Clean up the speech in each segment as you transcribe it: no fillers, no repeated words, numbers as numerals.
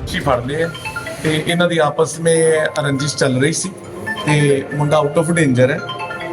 ਦੋਸ਼ੀ ਫੜ ਲਏ ਆ ਤੇ ਇਹਨਾਂ ਦੀ ਆਪਸ ਵਿੱਚ ਰੰਜਿਸ਼ ਚੱਲ ਰਹੀ ਸੀ ਤੇ ਮੁੰਡਾ ਆਊਟ ਆਫ ਡੇਂਜਰ ਹੈ।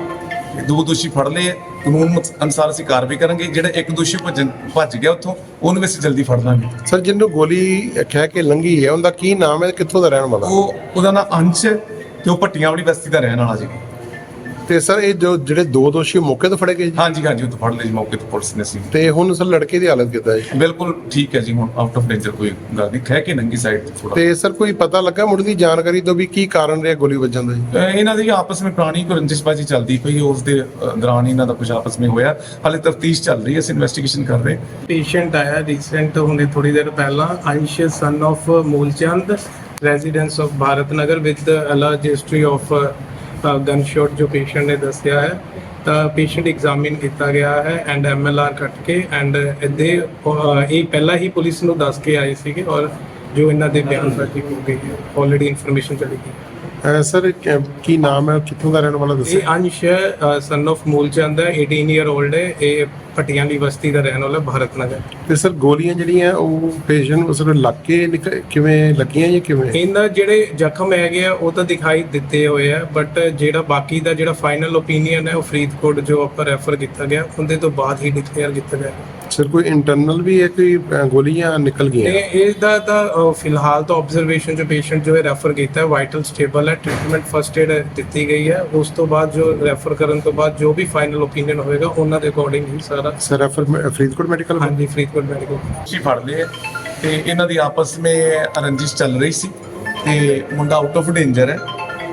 ਦੋ ਦੋਸ਼ੀ ਫੜ ਲਏ ਆ, ਕਾਨੂੰਨ ਅਨੁਸਾਰ ਅਸੀਂ ਕਾਰਵਾਈ ਕਰਾਂਗੇ। ਜਿਹੜਾ ਇੱਕ ਦੋਸ਼ੀ ਭੱਜ ਗਿਆ ਉੱਥੋਂ, ਉਹਨੂੰ ਵੀ ਅਸੀਂ ਜਲਦੀ ਫੜ ਲਾਂਗੇ। ਸਰ, ਜਿਹਨੂੰ ਗੋਲੀ ਖਹਿ ਕੇ ਲੰਘੀ ਹੈ ਉਹਦਾ ਕੀ ਨਾਮ ਹੈ, ਕਿੱਥੋਂ ਦਾ ਰਹਿਣ ਵਾਲਾ? ਉਹਦਾ ਨਾਮ ਅੰਸ਼ ਹੈ ਤੇ ਉਹ ਭੱਟੀਆਂ ਵਾਲੀ ਬਸਤੀ ਦਾ ਰਹਿਣ ਵਾਲਾ ਜੀ। ਤੇ ਸਰ, ਇਹ ਜਿਹੜੇ ਦੋ ਦੋਸ਼ੀ ਮੌਕੇ ਤੋਂ ਫੜੇ ਗਏ ਜੀ? ਹਾਂਜੀ, ਉਹ ਤੋਂ ਫੜ ਲਏ ਜੀ ਮੌਕੇ ਤੋਂ ਪੁਲਿਸ ਨੇ ਸੀ। ਤੇ ਹੁਣ ਸਰ ਲੜਕੇ ਦੀ ਹਾਲਤ ਕਿੱਦਾਂ ਹੈ? ਬਿਲਕੁਲ ਠੀਕ ਹੈ ਜੀ, ਹੁਣ ਆਊਟ ਆਫ ਡੇਂਜਰ, ਕੋਈ ਗੱਲ ਨਹੀਂ। ਖਹਿ ਕੇ ਨੰਗੀ ਸਾਈਡ ਥੋੜਾ। ਤੇ ਸਰ, ਕੋਈ ਪਤਾ ਲੱਗਾ ਮੁੱਢ ਦੀ ਜਾਣਕਾਰੀ ਤੋਂ ਵੀ ਕੀ ਕਾਰਨ ਰਿਹਾ ਗੋਲੀ ਵੱਜਣ ਦਾ ਜੀ? ਇਹਨਾਂ ਦੀ ਆਪਸ ਵਿੱਚ ਪੁਰਾਣੀ ਕੋਈ ਰੰਜਿਸ਼ਬਾਜੀ ਚੱਲਦੀ ਪਈ, ਉਸ ਦੇ ਦੌਰਾਨ ਇਹਨਾਂ ਦਾ ਕੁਝ ਆਪਸ ਵਿੱਚ ਹੋਇਆ। ਹਾਲੇ ਤਫਤੀਸ਼ ਚੱਲ ਰਹੀ ਹੈ, ਅਸੀਂ ਇਨਵੈਸਟੀਗੇਸ਼ਨ ਕਰ ਰਹੇ। पेशेंट आया रिसेंट हुने थोड़ी देर पहला Ansh son of Moolchand resident of Bharat Nagar with alleged history of gunshot जो पेशेंट ने दसिया है। ਤਾਂ ਪੇਸ਼ੈਂਟ ਐਗਜ਼ਾਮਿਨ ਕੀਤਾ ਗਿਆ ਹੈ ਐਂਡ MLR ਕੱਟ ਕੇ ਐਂਡ ਇਹਦੇ ਇਹ ਪਹਿਲਾਂ ਹੀ ਪੁਲਿਸ ਨੂੰ ਦੱਸ ਕੇ ਆਏ ਸੀਗੇ ਔਰ ਜੋ ਇਹਨਾਂ ਦੇ ਬਿਆਨ ਦਰਜ ਹੋ ਗਏ ਹੈ। ਆਲਰੇਡੀ ਇਨਫੋਰਮੇਸ਼ਨ ਚਲੀ ਗਈ। ਸਰ, ਕੀ ਨਾਮ ਹੈ, ਕਿੱਥੋਂ ਦਾ ਰਹਿਣ ਵਾਲਾ ਦੱਸੋ? ਇਹ ਅੰਸ਼ ਸਨ ਆਫ ਮੂਲਚੰਦ ਹੈ, 18 ਈਅਰ 올ਡ ਹੈ। ਇਹ ਪਟਿਆਲਾ ਦੀ ਬਸਤੀ ਦਾ ਰਹਿਣ ਵਾਲਾ ਭਾਰਤ ਨਗਰ। ਤੇ ਸਰ, ਗੋਲੀਆਂ ਜਿਹੜੀਆਂ ਉਹ ਪੇਸ਼ੈਂਟ ਉਸ ਨੂੰ ਲੱਗ ਕੇ ਕਿਵੇਂ ਲੱਗੀਆਂ ਜਾਂ ਕਿਵੇਂ? ਇਹਨਾਂ ਜਿਹੜੇ ਜ਼ਖਮ ਹੈਗੇ ਆ ਉਹ ਤਾਂ ਦਿਖਾਈ ਦਿੱਤੇ ਹੋਏ ਆ, ਬਟ ਜਿਹੜਾ ਬਾਕੀ ਦਾ ਜਿਹੜਾ ਫਾਈਨਲ ਓਪੀਨੀਅਨ ਹੈ ਉਹ ਫਰੀਦਕੋਟ ਜੋ ਆਪਾਂ ਰੈਫਰ ਕੀਤਾ ਗਿਆ ਉਹਦੇ ਤੋਂ ਬਾਅਦ ਹੀ ਡਿਕਲੇਅਰ ਕੀਤਾ ਗਿਆ। ਸਰ, ਕੋਈ ਇੰਟਰਨਲ ਵੀ ਹੈ, ਕੋਈ ਗੋਲੀਆਂ ਨਿਕਲ ਗਈਆਂ? ਇਹਦਾ ਤਾਂ ਫਿਲਹਾਲ ਤਾਂ ਆਬਜ਼ਰਵੇਸ਼ਨ ਜੋ ਪੇਸ਼ੈਂਟ ਜੋ ਹੈ ਰੈਫਰ ਕੀਤਾ ਹੈ ਵਾਈਟਲ ਸਟੇਬਲ ਹੈ, ਟ੍ਰੀਟਮੈਂਟ ਫਸਟ ਏਡ ਦਿੱਤੀ ਗਈ ਹੈ। ਉਸ ਤੋਂ ਬਾਅਦ ਜੋ ਰੈਫਰ ਕਰਨ ਤੋਂ ਬਾਅਦ ਜੋ ਵੀ ਫਾਈਨਲ ਓਪੀਨੀਅਨ ਹੋਏਗਾ ਉਹਨਾਂ ਦੇ ਅਕੋਰਡਿੰਗ ਹੀ ਸਾਰਾ। Sir, refer Faridkot medical? ਹਾਂਜੀ, ਫਰੀਦਕੋਟ ਮੈਡੀਕਲ। ਦੋਸ਼ੀ ਫੜ ਲਏ ਆ ਤੇ ਇਹਨਾਂ ਦੀ ਆਪਸ ਵਿੱਚ ਰੰਜਿਸ਼ ਚੱਲ ਰਹੀ ਸੀ ਤੇ ਮੁੰਡਾ ਆਊਟ ਆਫ ਡੇਂਜਰ ਹੈ।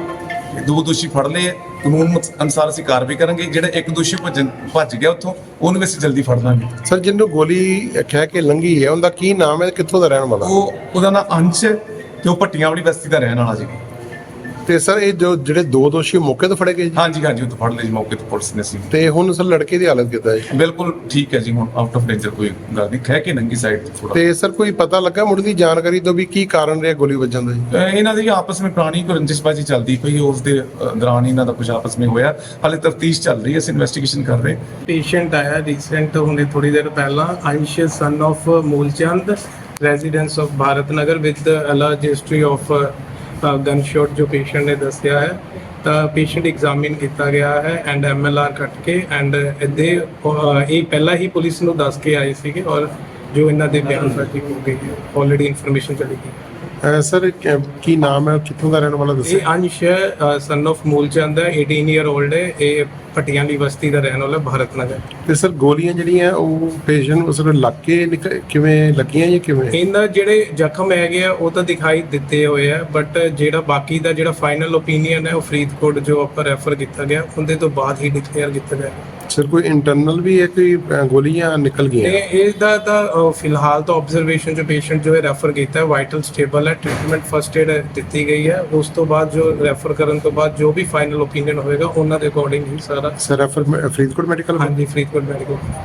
ਦੋ ਦੋਸ਼ੀ ਫੜ ਲਏ ਆ, ਕਾਨੂੰਨ ਅਨੁਸਾਰ ਅਸੀਂ ਕਾਰਵਾਈ ਕਰਾਂਗੇ। ਜਿਹੜਾ ਇੱਕ ਦੋਸ਼ੀ ਭੱਜ ਗਿਆ ਉੱਥੋਂ, ਉਹਨੂੰ ਵੀ ਅਸੀਂ ਜਲਦੀ ਫੜ ਲਾਂਗੇ। ਸਰ, ਜਿਹਨੂੰ ਗੋਲੀ ਖਹਿ ਕੇ ਲੰਘੀ ਹੈ ਉਹਦਾ ਕੀ ਨਾਮ ਹੈ, ਕਿੱਥੋਂ ਦਾ ਰਹਿਣ ਵਾਲਾ? ਉਹਦਾ ਨਾਮ ਅੰਸ਼ ਹੈ ਤੇ ਉਹ ਭੱਟੀਆਂ ਵਾਲੀ ਬਸਤੀ ਦਾ ਰਹਿਣ ਵਾਲਾ ਜੀ। ਤੇ ਸਰ, ਇਹ ਜਿਹੜੇ ਦੋ ਦੋਸ਼ੀ ਮੌਕੇ ਤੋਂ ਫੜੇ ਗਏ ਜੀ? ਹਾਂਜੀ, ਉਹ ਤੋਂ ਫੜ ਲਏ ਜੀ ਮੌਕੇ ਤੋਂ ਪੁਲਿਸ ਨੇ ਸੀ। ਤੇ ਹੁਣ ਸਰ ਲੜਕੇ ਦੀ ਹਾਲਤ ਕਿੱਦਾਂ ਹੈ? ਬਿਲਕੁਲ ਠੀਕ ਹੈ ਜੀ, ਹੁਣ ਆਊਟ ਆਫ ਡੇਂਜਰ, ਕੋਈ ਗੱਲ ਨਹੀਂ। ਖਹਿ ਕੇ ਨੰਗੀ ਸਾਈਡ ਥੋੜਾ। ਤੇ ਸਰ, ਕੋਈ ਪਤਾ ਲੱਗਾ ਮੁੱਢ ਦੀ ਜਾਣਕਾਰੀ ਤੋਂ ਵੀ ਕੀ ਕਾਰਨ ਰਿਹਾ ਗੋਲੀ ਵੱਜਣ ਦਾ ਜੀ? ਇਹਨਾਂ ਦੀ ਆਪਸ ਵਿੱਚ ਪੁਰਾਣੀ ਕੋਈ ਰੰਜਿਸ਼ਬਾਜੀ ਚੱਲਦੀ ਪਈ, ਉਸ ਦੇ ਦੌਰਾਨ ਇਹਨਾਂ ਦਾ ਕੁਝ ਆਪਸ ਵਿੱਚ ਹੋਇਆ। ਹਾਲੇ ਤਫਤੀਸ਼ ਚੱਲ ਰਹੀ ਹੈ, ਅਸੀਂ ਇਨਵੈਸਟੀਗੇਸ਼ਨ ਕਰ ਰਹੇ। पेशेंट आया रिसेंट हुने थोड़ी देर पहला Ansh son of Moolchand resident of Bharat Nagar with alleged history of gunshot जो पेशेंट ने दसिया है। ਤਾਂ ਪੇਸ਼ੈਂਟ ਐਗਜ਼ਾਮਿਨ ਕੀਤਾ ਗਿਆ ਹੈ ਐਂਡ MLR ਕੱਟ ਕੇ ਐਂਡ ਇਹਦੇ ਇਹ ਪਹਿਲਾਂ ਹੀ ਪੁਲਿਸ ਨੂੰ ਦੱਸ ਕੇ ਆਏ ਸੀਗੇ ਔਰ ਜੋ ਇਹਨਾਂ ਦੇ ਬਿਆਨ ਦਰਜ ਹੋ ਗਏ ਹੈ। ਆਲਰੇਡੀ ਇਨਫੋਰਮੇਸ਼ਨ ਚਲੀ ਗਈ। ਸਰ, ਕੀ ਨਾਮ ਹੈ, ਕਿੱਥੋਂ ਦਾ ਰਹਿਣ ਵਾਲਾ ਦੱਸੋ? ਇਹ ਅੰਸ਼ ਸਨ ਆਫ ਮੂਲਚੰਦ ਹੈ, 18 ਈਅਰ 올ਡ ਹੈ। ਇਹ ਪਟਿਆਲਾ ਦੀ ਬਸਤੀ ਦਾ ਰਹਿਣ ਵਾਲਾ ਭਾਰਤ ਨਗਰ। ਤੇ ਸਰ, ਗੋਲੀਆਂ ਜਿਹੜੀਆਂ ਉਹ ਪੇਸ਼ੈਂਟ ਉਸ ਨੂੰ ਲੱਗ ਕੇ ਕਿਵੇਂ ਲੱਗੀਆਂ ਜਾਂ ਕਿਵੇਂ? ਇਹਨਾਂ ਜਿਹੜੇ ਜ਼ਖਮ ਹੈਗੇ ਆ ਉਹ ਤਾਂ ਦਿਖਾਈ ਦਿੱਤੇ ਹੋਏ ਆ, ਬਟ ਜਿਹੜਾ ਬਾਕੀ ਦਾ ਜਿਹੜਾ ਫਾਈਨਲ ਓਪੀਨੀਅਨ ਹੈ ਉਹ ਫਰੀਦਕੋਟ ਜੋ ਆਪਾਂ ਰੈਫਰ ਕੀਤਾ ਗਿਆ ਉਹਦੇ ਤੋਂ ਬਾਅਦ ਹੀ ਡਿਕਲੇਅਰ ਕੀਤਾ ਗਿਆ। ਸਰ, ਕੋਈ ਇੰਟਰਨਲ ਵੀ ਹੈ, ਕੋਈ ਗੋਲੀਆਂ ਨਿਕਲ ਗਈਆਂ? ਇਹਦਾ ਤਾਂ ਫਿਲਹਾਲ ਤਾਂ ਆਬਜ਼ਰਵੇਸ਼ਨ ਜੋ ਪੇਸ਼ੈਂਟ ਜੋ ਹੈ ਰੈਫਰ ਕੀਤਾ ਹੈ ਵਾਈਟਲ ਸਟੇਬਲ ਹੈ, ਟ੍ਰੀਟਮੈਂਟ ਫਸਟ ਏਡ ਦਿੱਤੀ ਗਈ ਹੈ। ਉਸ ਤੋਂ ਬਾਅਦ ਜੋ ਰੈਫਰ ਕਰਨ ਤੋਂ ਬਾਅਦ ਜੋ ਵੀ ਫਾਈਨਲ ਓਪੀਨੀਅਨ ਹੋਏਗਾ ਉਹਨਾਂ ਦੇ ਅਕੋਰਡਿੰਗ ਹੀ ਸਾਰਾ। Sir, refer Faridkot medical? ਹਾਂਜੀ, ਫਰੀਦਕੋਟ ਮੈਡੀਕਲ।